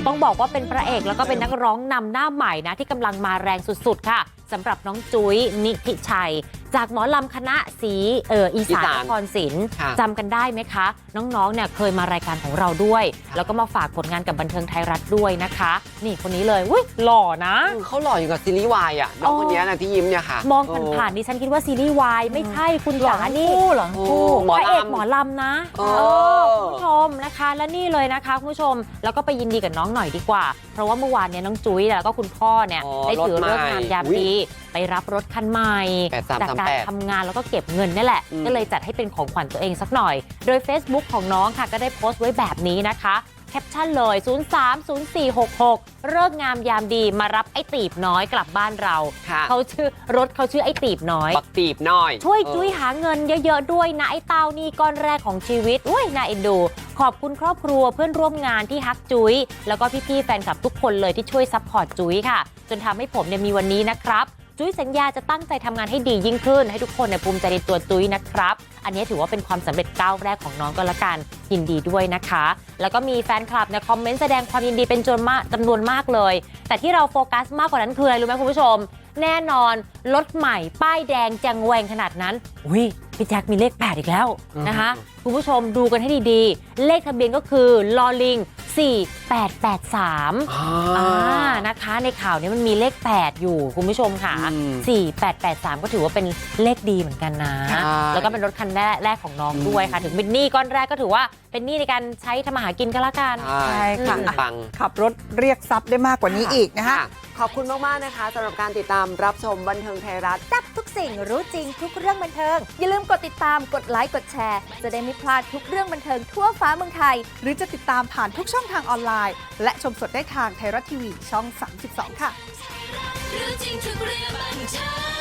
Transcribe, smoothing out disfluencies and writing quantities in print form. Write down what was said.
ต้องบอกว่าเป็นพระเอกแล้วก็เป็นนักร้องนำหน้าใหม่นะที่กำลังมาแรงสุดๆค่ะสำหรับน้องจุ้ยนิธิชัยจากหมอลำคณะสีอีสานนครศรีจำกันได้ไหมคะน้องๆเนี่ยเคยมารายการของเราด้วยแล้วก็มาฝากผลงานกับบันเทิงไทยรัฐด้วยนะคะนี่คนนี้เลยอุ้ยหล่อนะเขาหล่ออยู่กับซีรีส์วายอ่ะน้องคนนี้นะที่ยิ้มเนี่ยค่ะมองผ่านๆดิฉันคิดว่าซีรีส์วายไม่ใช่คุณจ๋านี่หล่อคู่พระเอกหมอลำนะคุณผู้ชมนะคะและนี่เลยนะคะคุณผู้ชมแล้วก็ไปยินดีกับน้องหน่อยดีกว่าเพราะว่าเมื่อวานเนี่ยน้องจุ้ยแล้วก็คุณพ่อเนี่ยได้ถือเลิกงามยามดีไปรับรถคันใหม่จากการทำงานแล้วก็เก็บเงินนี่แหละก็เลยจัดให้เป็นของขวัญตัวเองสักหน่อยโดย Facebook ของน้องค่ะก็ได้โพสต์ไว้แบบนี้นะคะแคปชั่นเลย030466เลิกงามยามดีมารับไอ้ตีบน้อยกลับบ้านเราเขาชื่อไอ้ตีบน้อยบักตีบน้อยช่วยจุ้ยหาเงินเยอะๆด้วยนะไอ้เต้านี่ก้อนแรกของชีวิตอุ้ยน่าเอ็นดูขอบคุณครอบครัวเพื่อนร่วมงานที่ฮักจุ้ยแล้วก็พี่ๆแฟนคลับทุกคนเลยที่ช่วยซัพพอร์ตจุ้ยค่ะจนทำให้ผมเนี่ยมีวันนี้นะครับจุ้ยสัญญาจะตั้งใจทำงานให้ดียิ่งขึ้นให้ทุกคนเนี่ยภูมิใจในตัวจุ้ยนะครับอันนี้ถือว่าเป็นความสำเร็จก้าวแรกของน้องก็แล้วกันยินดีด้วยนะคะแล้วก็มีแฟนคลับเนี่ยคอมเมนต์แสดงความยินดีเป็นจำนวนมากเลยแต่ที่เราโฟกัสมากกว่านั้นคืออะไรรู้ไหมคุณผู้ชมแน่นอนรถใหม่ป้ายแดงแจงแหวงขนาดนั้นอุ้ยพี่แจ็คมีเลข8อีกแล้วนะคะคุณผู้ชมดูกันให้ดีๆเลขทะเบียนก็คือลอลิง4883นะคะในข่าวนี้มันมีเลข8อยู่คุณผู้ชมค่ะ4883ก็ถือว่าเป็นเลขดีเหมือนกันนะแล้วก็เป็นรถคันแรกของน้องด้วยค่ะถึงเป็นหนี้ก้อนแรกก็ถือว่าเป็นหนี้ในการใช้ทำมาหากินก็แล้วกันใช่ค่ะขับรถเรียกทรัพย์ได้มากกว่านี้อีกนะคะขอบคุณมากๆนะคะสำหรับการติดตามรับชมบันเทิงไทยรัฐจับทุกสิ่งรู้จริงทุกเรื่องบันเทิงอย่าลืมกดติดตามกดไลค์กดแชร์จะได้ไม่พลาดทุกเรื่องบันเทิงทั่วฟ้าเมืองไทยหรือจะติดตามผ่านทุกช่องทางออนไลน์และชมสดได้ทางไทยรัฐทีวีช่อง 32 ค่ะรู้จริงทุกเรื่องบันเทิง